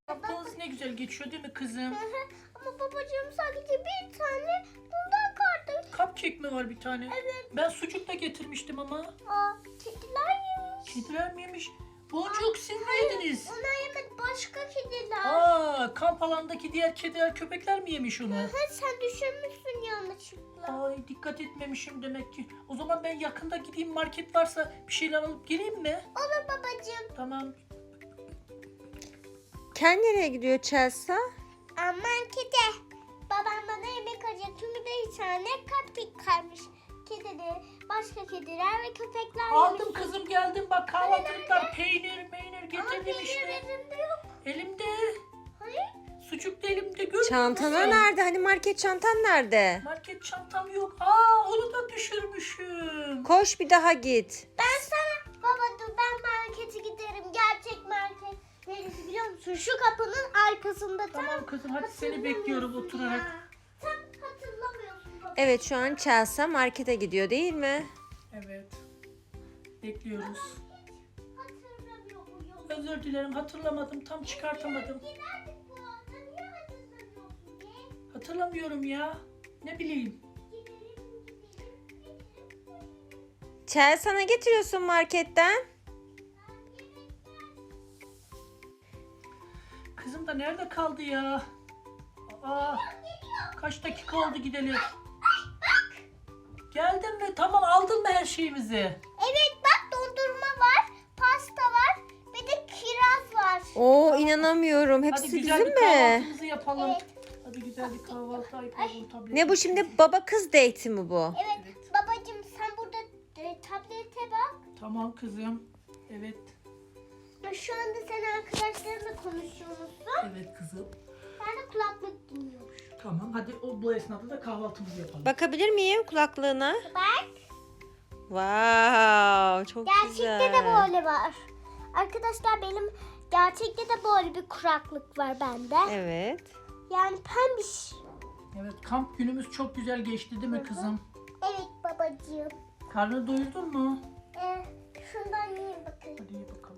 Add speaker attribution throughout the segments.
Speaker 1: Haftanız ne güzel geçiyor değil mi kızım?
Speaker 2: Ama babacığım sadece bir tane bundan kaldı.
Speaker 1: Cupcake mi var bir tane?
Speaker 2: Evet.
Speaker 1: Ben sucuk da getirmiştim ama.
Speaker 2: Aa, kediler yemiş.
Speaker 1: Kediler mi yemiş? Boncuk siz mi yediniz?
Speaker 2: Onlar yemedi, başka kediler.
Speaker 1: Aa, kamp alandaki diğer kediler, köpekler mi yemiş onu?
Speaker 2: Sen düşürmüşsün yanlışlıkla.
Speaker 1: Ay, dikkat etmemişim demek ki. O zaman ben yakında gideyim, market varsa bir şeyler alıp geleyim mi?
Speaker 2: Olur babacığım.
Speaker 1: Tamam.
Speaker 3: Ken nereye gidiyor Chelsea?
Speaker 2: Markete. Babam bana yemek alacak. Çünkü bir tane cupcake kalmış. Kedileri, başka kediler ve köpekler
Speaker 1: Aldım
Speaker 2: yemiş.
Speaker 1: kızım, geldim bak, kahvaltılıklar, peynir
Speaker 2: Ama
Speaker 1: getirdim
Speaker 2: peynir
Speaker 1: işte.
Speaker 2: elimde yok.
Speaker 1: Elimde.
Speaker 2: Hayır.
Speaker 1: Sucuk da elimde, görmüyor
Speaker 3: Çantana
Speaker 1: musun?
Speaker 3: nerede? Hani market çantan nerede?
Speaker 1: Market çantam yok. Aa, onu da düşürmüşüm.
Speaker 3: Koş bir daha git.
Speaker 2: Ben sana baba dur ben markete giderim. Gerçek market. Neresi biliyor musun? Şu kapının arkasında.
Speaker 1: Tamam kızım, hadi seni bekliyorum oturarak.
Speaker 2: Ya. Sen hatırlamıyorsun baba.
Speaker 3: Evet, şu an Chelsea markete gidiyor değil mi?
Speaker 1: Evet. Bekliyoruz.
Speaker 2: Hatırlamıyor muyum?
Speaker 1: Özür dilerim, hatırlamadım, tam çıkartamadım.
Speaker 2: Giderdik bu arada. Niye hatırlamıyorsun be?
Speaker 1: Hatırlamıyorum ya. Ne bileyim.
Speaker 2: Gidelim.
Speaker 3: Chelsea ne getiriyorsun marketten?
Speaker 1: Kızım da nerede kaldı ya? Aa, kaç dakika oldu gidelim. Geldin mi? Tamam, aldın mı her şeyimizi?
Speaker 2: Evet bak dondurma var. Pasta var. Bir de kiraz var.
Speaker 3: Oo, inanamıyorum.
Speaker 1: Hadi
Speaker 3: Hepsi
Speaker 1: güzel
Speaker 3: bizim
Speaker 1: bir
Speaker 3: mi?
Speaker 1: kahvaltımızı yapalım.
Speaker 2: Evet.
Speaker 1: Hadi güzel bir kahvaltı, iPad'ın, tablet.
Speaker 3: Ne bu şimdi, baba kız date'i mi bu?
Speaker 2: Evet. Babacığım sen burada tablete bak.
Speaker 1: Tamam kızım. Evet.
Speaker 2: Şu anda sen arkadaşlarınla konuşuyormuşsun.
Speaker 1: Evet kızım.
Speaker 2: Ben de kulaklık dinliyorum.
Speaker 1: Tamam, hadi bu esnada da kahvaltımızı yapalım.
Speaker 3: Bakabilir miyim kulaklığına?
Speaker 2: Bak.
Speaker 3: Wow, çok güzel.
Speaker 2: Gerçekte de böyle var. Arkadaşlar benim gerçekte de böyle bir kulaklık var bende.
Speaker 3: Evet.
Speaker 2: Yani pembiş.
Speaker 1: Evet, kamp günümüz çok güzel geçti değil mi kızım?
Speaker 2: Evet babacığım.
Speaker 1: Karnını doyurdun mu?
Speaker 2: Şundan yiyin bakın.
Speaker 1: Hadi ye bakalım.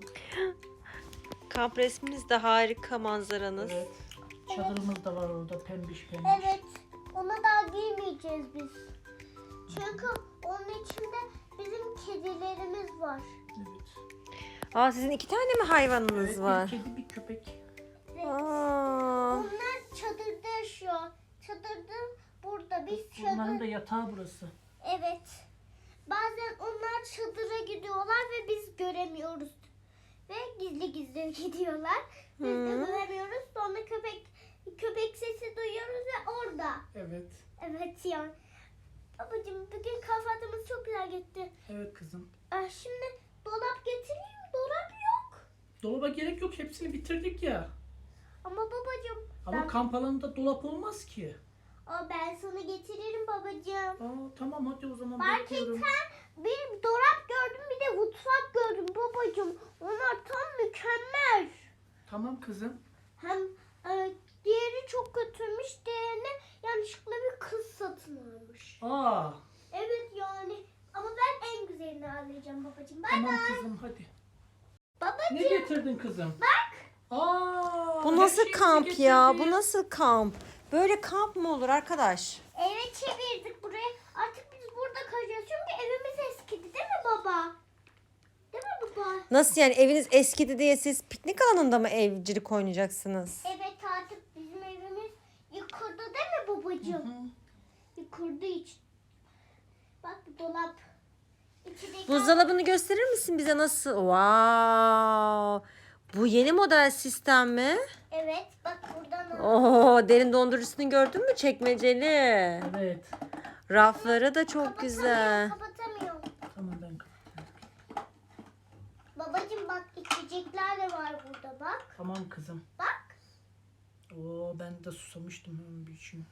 Speaker 3: Kamp resminiz de harika, manzaranız.
Speaker 1: Evet. Çadırımız da var orada, pembiş pembiş.
Speaker 2: Evet. Ona daha giymeyeceğiz biz. Çünkü onun içinde bizim kedilerimiz var.
Speaker 1: Evet.
Speaker 3: Aa, sizin 2 tane mi hayvanınız
Speaker 1: Evet,
Speaker 3: var?
Speaker 1: bir kedi, bir köpek.
Speaker 2: Evet.
Speaker 3: Aa,
Speaker 2: Onlar çadırda yaşıyor. Çadırda burada. Biz
Speaker 1: Onların da
Speaker 2: çadır.
Speaker 1: yatağı burası.
Speaker 2: Evet. Bazen onlar çadıra gidiyorlar ve biz göremiyoruz. Ve gizli gizli gidiyorlar. Biz de
Speaker 3: Hı.
Speaker 2: göremiyoruz. Sonra köpek sesi duyuyoruz ve orada.
Speaker 1: Evet.
Speaker 2: Evet ya. Babacığım bugün kahvaltımız çok güzel gitti.
Speaker 1: Evet kızım.
Speaker 2: Şimdi dolap getireyim mi? Dolap yok.
Speaker 1: Dolaba gerek yok, hepsini bitirdik ya.
Speaker 2: Ama babacığım
Speaker 1: Ama kamp alanında dolap olmaz ki.
Speaker 2: ben sana getiririm babacığım.
Speaker 1: Aa, tamam hadi o zaman
Speaker 2: Marketten
Speaker 1: bekliyorum.
Speaker 2: bir dolap gördüm bir de mutfak gördüm babacığım. Onlar tam mükemmel.
Speaker 1: Tamam kızım.
Speaker 2: Hem diğeri çok kötüymüş. Diğerine yanlışlıkla bir kız satın almış.
Speaker 1: Aa,
Speaker 2: Evet yani. Ama ben en güzelini alacağım babacığım. Bay
Speaker 1: tamam
Speaker 2: bay.
Speaker 1: kızım hadi.
Speaker 2: Babacığım.
Speaker 1: Ne getirdin kızım?
Speaker 2: Bak.
Speaker 1: Aa,
Speaker 3: bu
Speaker 1: her
Speaker 3: nasıl
Speaker 1: şeyimizi
Speaker 3: kamp ya?
Speaker 1: getirdik.
Speaker 3: Bu nasıl kamp? Böyle kamp mı olur arkadaş?
Speaker 2: Eve çevirdik buraya. Artık biz burada kalacağız. Çünkü evimiz eskidi değil mi baba? Değil mi baba?
Speaker 3: Nasıl yani, eviniz eskidi diye siz piknik alanında mı evcilik oynayacaksınız?
Speaker 2: Evet artık bizim evimiz yıkıldı değil mi babacığım?
Speaker 1: Hı.
Speaker 2: Yıkıldı hiç. Bak bu dolap. İçindeki
Speaker 3: Buzdolabını gösterir misin bize nasıl? Wow. Bu yeni model sistem mi?
Speaker 2: Evet bak buradan al.
Speaker 3: Oo, derin dondurucusunu gördün mü? Çekmeceli.
Speaker 1: Evet.
Speaker 3: Rafları da çok güzel.
Speaker 2: Kapatamıyorum.
Speaker 1: Tamam ben kapatıyorum.
Speaker 2: Babacığım bak içecekler de var burada bak.
Speaker 1: Tamam kızım.
Speaker 2: Bak.
Speaker 1: Oo, ben de susamıştım hemen bir için.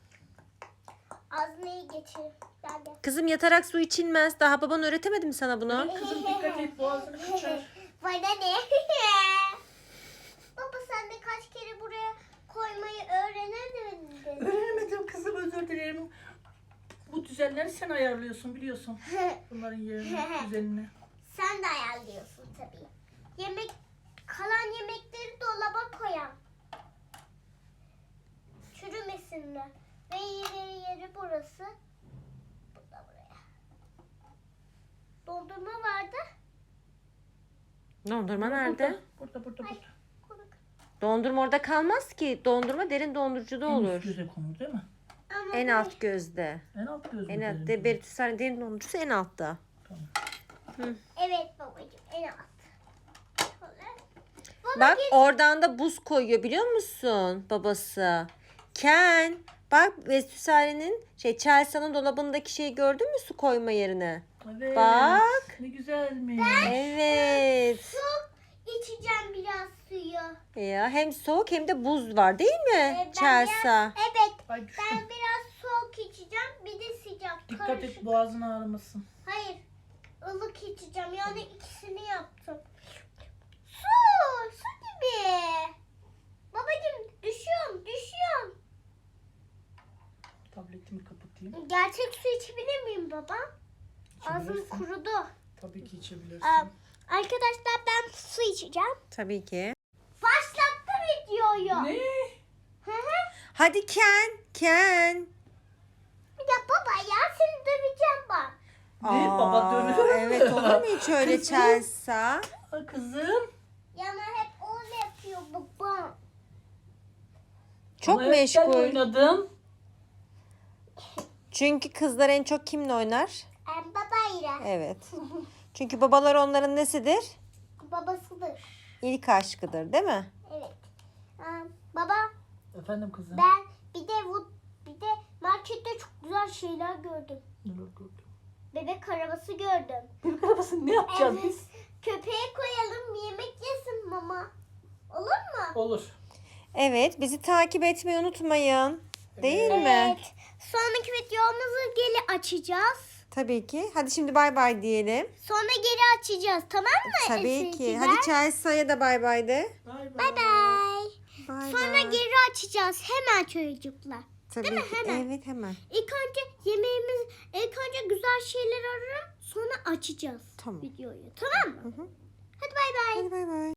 Speaker 2: Ağzına iyi geçir. Gel gel.
Speaker 3: Kızım, yatarak su içilmez. Daha baban öğretemedi mi sana bunu?
Speaker 1: Kızım dikkat et, boğazını kaçar.
Speaker 2: Bana ne? Baba sen de kaç kere buraya koymayı öğrenemedin.
Speaker 1: Öğrenemedim kızım, özür dilerim. Bu düzenleri sen ayarlıyorsun biliyorsun. Bunların yerini, düzenini.
Speaker 2: Sen de ayarlıyorsun tabii. Kalan yemekleri dolaba koyan. burası. Bu da buraya. Dondurma vardı.
Speaker 3: Dondurma nerede?
Speaker 1: Burada.
Speaker 2: Ay, konu-
Speaker 3: Dondurma orada kalmaz ki. Dondurma derin dondurucuda
Speaker 1: En üst
Speaker 3: olur.
Speaker 1: göze konur değil mi?
Speaker 2: Ama
Speaker 3: En
Speaker 2: bu-
Speaker 3: alt gözde.
Speaker 1: En alt göz mü?
Speaker 3: En
Speaker 1: derin
Speaker 3: alt.
Speaker 1: göz?
Speaker 3: Beritüsler derin dondurucusu en altta.
Speaker 1: Tamam.
Speaker 2: Evet babacığım en alt. Şöyle. Baba
Speaker 3: Bak
Speaker 2: git.
Speaker 3: oradan da buz koyuyor biliyor musun babası? Ken. Bak Vesüsare'nin Chelsea'nin dolabındaki şeyi gördün mü su koyma yerine?
Speaker 1: Evet.
Speaker 3: Bak.
Speaker 1: Ne güzelmiş.
Speaker 3: Evet.
Speaker 2: Su içeceğim biraz suyu.
Speaker 3: Ya hem soğuk hem de buz var değil mi
Speaker 2: Ben
Speaker 3: Chelsea?
Speaker 2: Evet.
Speaker 1: Ay düştüm.
Speaker 2: Ben biraz soğuk içeceğim. Bir de sıcak.
Speaker 1: Dikkat
Speaker 2: Karışık.
Speaker 1: et boğazın ağrımasın.
Speaker 2: Hayır. Ilık içeceğim. Yani ikisini yaptım. Su gibi. Babacığım düşüyorum.
Speaker 1: Tabletimi kapatayım.
Speaker 2: Gerçek su içebilir miyim baba? Ağzım
Speaker 1: İçebilirsin.
Speaker 2: kurudu.
Speaker 1: Tabii ki içebilirsin.
Speaker 2: Arkadaşlar ben su içeceğim.
Speaker 3: Tabii ki.
Speaker 2: Başlattım videoyu.
Speaker 1: Ne?
Speaker 2: Hı hı.
Speaker 3: Hadi Ken.
Speaker 2: Ya baba ya seni döveceğim bak.
Speaker 1: Ne? Baba dövüyor mu?
Speaker 3: Evet olur mu hiç öyle
Speaker 1: Kızım.
Speaker 3: Chelsea?
Speaker 1: Aa, kızım.
Speaker 2: Yana hep öyle yapıyor baba.
Speaker 3: Çok
Speaker 1: Ama evet, ben
Speaker 3: meşgul.
Speaker 1: oynadım.
Speaker 3: Çünkü kızlar en çok kimle oynar?
Speaker 2: Babayla.
Speaker 3: Evet. Çünkü babalar onların nesidir?
Speaker 2: Babasıdır.
Speaker 3: İlk aşkıdır değil mi?
Speaker 2: Evet. Baba
Speaker 1: Efendim kızım.
Speaker 2: ben bir de markette çok güzel şeyler gördüm.
Speaker 1: Neler gördün?
Speaker 2: Bebek arabası gördüm.
Speaker 1: Bebek arabasını ne yapacağız
Speaker 2: Evet.
Speaker 1: biz?
Speaker 2: Köpeğe koyalım yemek yesin mama. Olur mu?
Speaker 1: Olur.
Speaker 3: Evet, bizi takip etmeyi unutmayın. Değil mi?
Speaker 2: Evet. Sonraki videomuzu geri açacağız.
Speaker 3: Tabii ki. Hadi şimdi bay bay diyelim.
Speaker 2: Sonra geri açacağız tamam mı?
Speaker 3: Tabii ki.
Speaker 2: Esirciler?
Speaker 3: Hadi Chelsea'ya da bay bay de.
Speaker 1: Bay bay.
Speaker 2: Bye bye.
Speaker 3: Bay
Speaker 2: Sonra
Speaker 3: bay.
Speaker 2: geri açacağız hemen çocuklar.
Speaker 3: Tabii
Speaker 2: Değil mi?
Speaker 3: ki.
Speaker 2: Hemen.
Speaker 3: Evet hemen.
Speaker 2: İlk önce güzel şeyler ararım sonra açacağız
Speaker 3: Tamam.
Speaker 2: videoyu. Tamam mı?
Speaker 3: Hı hı.
Speaker 2: Hadi bay bay.
Speaker 3: Hadi bay bay.